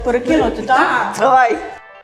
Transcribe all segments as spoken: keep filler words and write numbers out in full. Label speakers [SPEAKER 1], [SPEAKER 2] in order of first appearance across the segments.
[SPEAKER 1] Перекинути, так?
[SPEAKER 2] Давай.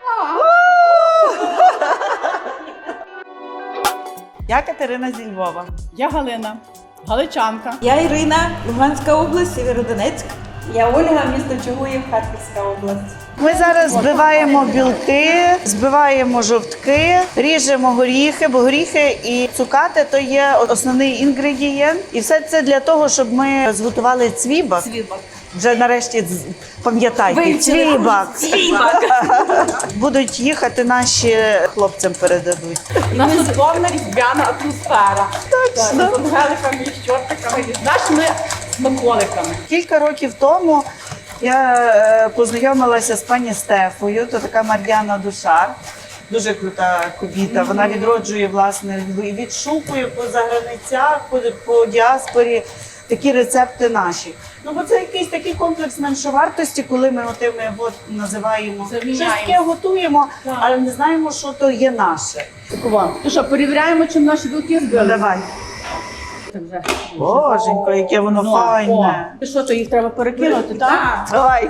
[SPEAKER 2] Я Катерина зі Львова.
[SPEAKER 1] Я Галина, галичанка.
[SPEAKER 3] Я Ірина, Луганська область, Сєвєродонецьк. Я Ольга, місто Чугуїв, Харківська область.
[SPEAKER 2] Ми зараз збиваємо білки, збиваємо жовтки, ріжемо горіхи, бо горіхи і цукати – то є основний інгредієнт. І все це для того, щоб ми зготували цвібак.
[SPEAKER 3] Цвібак.
[SPEAKER 2] Вже нарешті з- пам'ятайте,
[SPEAKER 3] Вивчили.
[SPEAKER 2] цвібак.
[SPEAKER 3] Цвібак.
[SPEAKER 2] Будуть їхати наші, хлопцям передадуть.
[SPEAKER 1] У нас тут повна різдвяна атмосфера. Так, з ангеликами і з чортиками. І з нашими смаколиками.
[SPEAKER 2] Кілька років тому я е, познайомилася з пані Стефою, то така Мар'яна Душар. Дуже крута кобіта. Вона відроджує, власне, і відшукує по заграницях, по, по діаспорі такі рецепти наші. Ну, бо це якийсь такий комплекс меншовартості, коли ми отими от називаємо
[SPEAKER 1] Заміняємо.
[SPEAKER 2] щось таке готуємо, але не знаємо, що то є наше.
[SPEAKER 1] Ну що, перевіряємо, чим наші білки
[SPEAKER 2] Ну,
[SPEAKER 1] збили?
[SPEAKER 2] давай.
[SPEAKER 1] Так вже.
[SPEAKER 2] Боженько, яке воно
[SPEAKER 1] Ну,
[SPEAKER 2] файне.
[SPEAKER 1] о, і що, то їх треба перекинути, так?
[SPEAKER 2] Давай.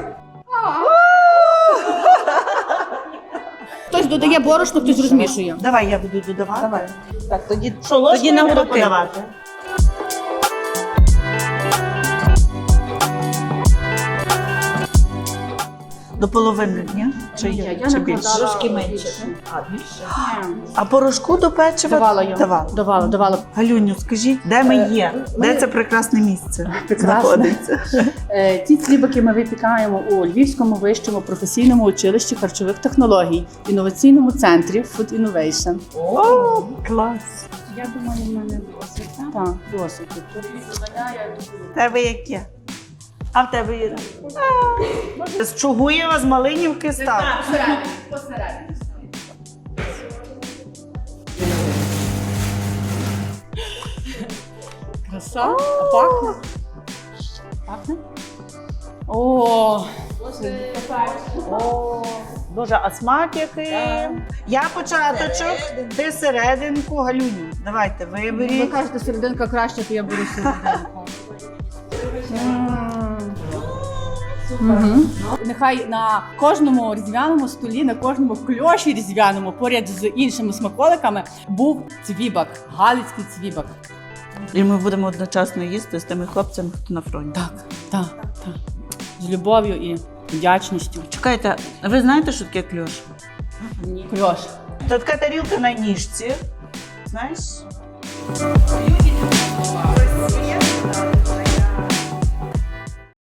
[SPEAKER 1] Хтось додає борошно, хтось розмішує.
[SPEAKER 2] Давай, я буду додавати.
[SPEAKER 1] Давай. Так, тоді,
[SPEAKER 2] Що, ложкою
[SPEAKER 1] тоді на
[SPEAKER 2] треба
[SPEAKER 1] уроки.
[SPEAKER 2] подавати? До половини, ні? Чи,
[SPEAKER 1] Ні,
[SPEAKER 2] є?
[SPEAKER 1] я
[SPEAKER 2] Чи
[SPEAKER 1] не
[SPEAKER 2] більше?
[SPEAKER 1] вкладала.
[SPEAKER 3] Трошки менше.
[SPEAKER 1] А, більше?
[SPEAKER 2] А порошку до печива?
[SPEAKER 1] Давала я.
[SPEAKER 2] Давала.
[SPEAKER 1] Давала, давала.
[SPEAKER 2] Галюню, скажіть, де ми є? Де це прекрасне місце знаходиться?
[SPEAKER 1] Е, Ці цвібаки ми випікаємо у Львівському вищому професійному училищі харчових технологій, інноваційному центрі Food Innovation.
[SPEAKER 2] О, клас!
[SPEAKER 1] Я думаю, в мене досить. Так, досить.
[SPEAKER 2] В тебе яке? А в тебе є? А, З Чугуєва, з Малинівки став.
[SPEAKER 1] Посередині, посередині. Краса. А пахне? Пахне? О,
[SPEAKER 2] О, Боже, а смак який? Я початочок, ти серединку, Галюню. Давайте,
[SPEAKER 1] ви
[SPEAKER 2] виберіть.
[SPEAKER 1] кажете, серединка краще, то я беру серединку. Мгм. Нехай на кожному різдвяному столі, на кожному кльоші різдвяному, поряд з іншими смаколиками, був цвібак, галицький цвібак.
[SPEAKER 2] І ми будемо одночасно їсти з тими хлопцями, хто на фронті.
[SPEAKER 1] Так, так, так. З любов'ю і вдячністю.
[SPEAKER 2] Чекайте, а ви знаєте, що таке кльош?
[SPEAKER 1] Кльош.
[SPEAKER 2] Це така тарілка на ніжці. Знаєш?